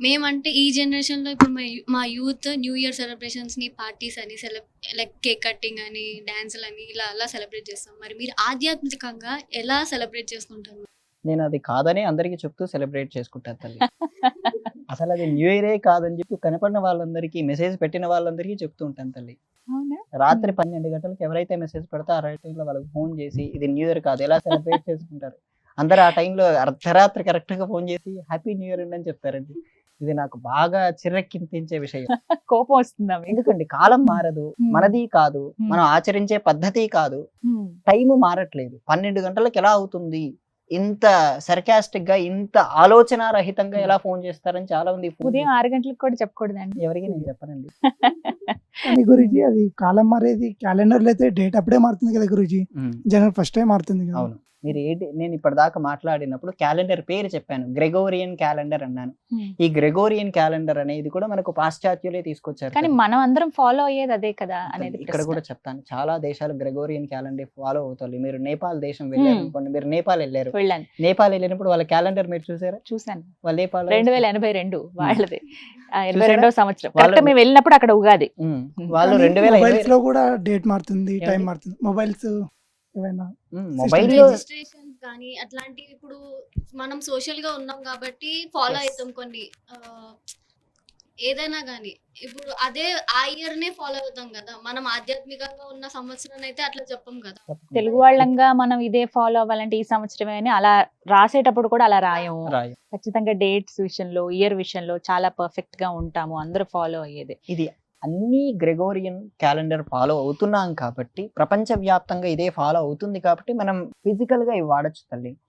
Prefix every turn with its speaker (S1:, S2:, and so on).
S1: మేమంటే ఈ జనరేషన్‌లో ఇప్పుడు మా యూత్ న్యూ ఇయర్ సెలబ్రేషన్స్‌ని పార్టీస్ అని లైక్ కేక్ కటింగ్ అని, డాన్సులని ఇలా అలా సెలబ్రేట్ చేస్తాం. మరి మీరు ఆధ్యాత్మికంగా ఎలా సెలబ్రేట్ చేసుకుంటారు?
S2: నేను అది కాదని అందరికీ చెప్తూ సెలబ్రేట్ చేసుకుంటాను తల్లి. అసలు అది న్యూ ఇయరే కాదని చెప్పి కనపడిన వాళ్ళందరికీ, మెసేజ్ పెట్టిన వాళ్ళందరికీ చెప్తూ ఉంటాను తల్లి.
S3: అవునా?
S2: రాత్రి 12 గంటలకి ఎవరైతే మెసేజ్ పెడతారో ఆ టైంలో వాళ్ళకి ఫోన్ చేసి ఇది న్యూ ఇయర్ కాదు ఎలా సెలబ్రేట్ చేసుకుంటారు. అందరూ ఆ టైంలో అర్ధరాత్రి కరెక్ట్‌గా ఫోన్ చేసి హ్యాపీ న్యూ ఇయర్ అండి అని చెప్తారండి. ఇది నాకు బాగా చిర్రెక్కింపించే విషయం.
S3: కోపం వస్తుందా మీకు?
S2: ఎందుకండి కాలం మారదు, మనది కాదు,
S3: Hmm.
S2: మనం ఆచరించే పద్ధతి కాదు,
S3: హ్మ్.
S2: టైము మారట్లేదు. 12 గంటలకు ఎలా అవుతుంది? ఇంత సర్కాస్టిక్ గా, ఇంత ఆలోచన రహితంగా ఎలా ఫోన్ చేస్తారని చాలా మంది ఫోన్
S3: ఉదయం 6 గంటలకు కూడా చెప్పకూడదండి.
S2: ఎవరికి నేను చెప్పనండి.
S4: కానీ గురూజీ అది కాలం మారేది క్యాలెండర్లో అయితే డేట్ అప్పుడే మారుతుంది కదా గురూజీ, జనవరి 1 మారుతుంది కదా.
S2: అవును. మీరు ఏంటి నేను ఇప్పటిదాకా మాట్లాడినప్పుడు క్యాలెండర్ పేరు చెప్పాను, గ్రెగోరియన్ క్యాలెండర్ అన్నాను.
S3: Hmm.
S2: ఈ గ్రెగోరియన్ క్యాలెండర్ అనేది కూడా మనకు పాశ్చాత్యులే తీసుకొచ్చారు
S3: కానీ
S2: కదా.
S3: మనం అందరం ఫాలో అయ్యేది అదే కదా అనేది
S2: ఇక్కడ
S3: ప్రశ్న.
S2: కూడా చెప్తాను, చాలా దేశాలు గ్రెగోరియన్ క్యాలెండర్ ఫాలో అవుతారు. మీరు నేపాల్ దేశం వెళ్ళారు అనుకోండి, మీరు నేపాల్ వెళ్ళారు,
S3: వెళ్ళాను,
S2: నేపాల్ వెళ్ళినప్పుడు వాళ్ళ క్యాలెండర్ మీరు చూసారా?
S3: చూసాను.
S2: వాళ్ళ నేపాల్
S3: 2082 వాళ్ళది.
S2: చూసారా?
S3: 82వ సంవత్సరం
S2: వాళ్ళ-
S3: కరెక్ట్ మేము వెళ్ళినప్పుడు అక్కడ ఉగాది.
S2: వాళ్ళు
S4: కానీ
S2: 2020
S4: మొబైల్స్ లో కూడా డేట్ మారుతుంది, టైం
S2: ఏమండి?
S4: మారుతుంది. మొబైల్స్ ఏమైనా
S2: మొబైల్లో
S1: రిజిస్ట్రేషన్స్ కానీ అట్లాంటివి ఇప్పుడు మనం సోషల్ గా ఉన్నాం కాబట్టి ఫాలో
S2: Yes.
S1: అవుతాం కొన్ని ఏదైనా కానీ ఇప్పుడు అదే ఆ ఇయర్ నే ఫాలో అవుతాం కదా. మనం ఆధ్యాత్మికంగా ఉన్న సంవత్సరాన్ని అయితే అట్లా చెప్పం కదా.
S3: తెలుగు వాళ్ళంగా మనం ఇదే ఫాలో అవ్వాలంటే ఈ సంవత్సరమే అని అలా రాసేటప్పుడు కూడా అలా రాయము.
S2: రాయి.
S3: ఖచ్చితంగా డేట్స్ విషయంలో, ఇయర్ విషయంలో చాలా పర్ఫెక్ట్ గా ఉంటాము, అందరూ ఫాలో అయ్యేది.
S2: ఇది అన్ని గ్రెగోరియన్ క్యాలెండర్ ఫాలో అవుతున్నాం కాబట్టి, ప్రపంచవ్యాప్తంగా ఇదే ఫాలో అవుతుంది కాబట్టి మనం ఫిజికల్ గా ఇవి వాడచ్చు తల్లి.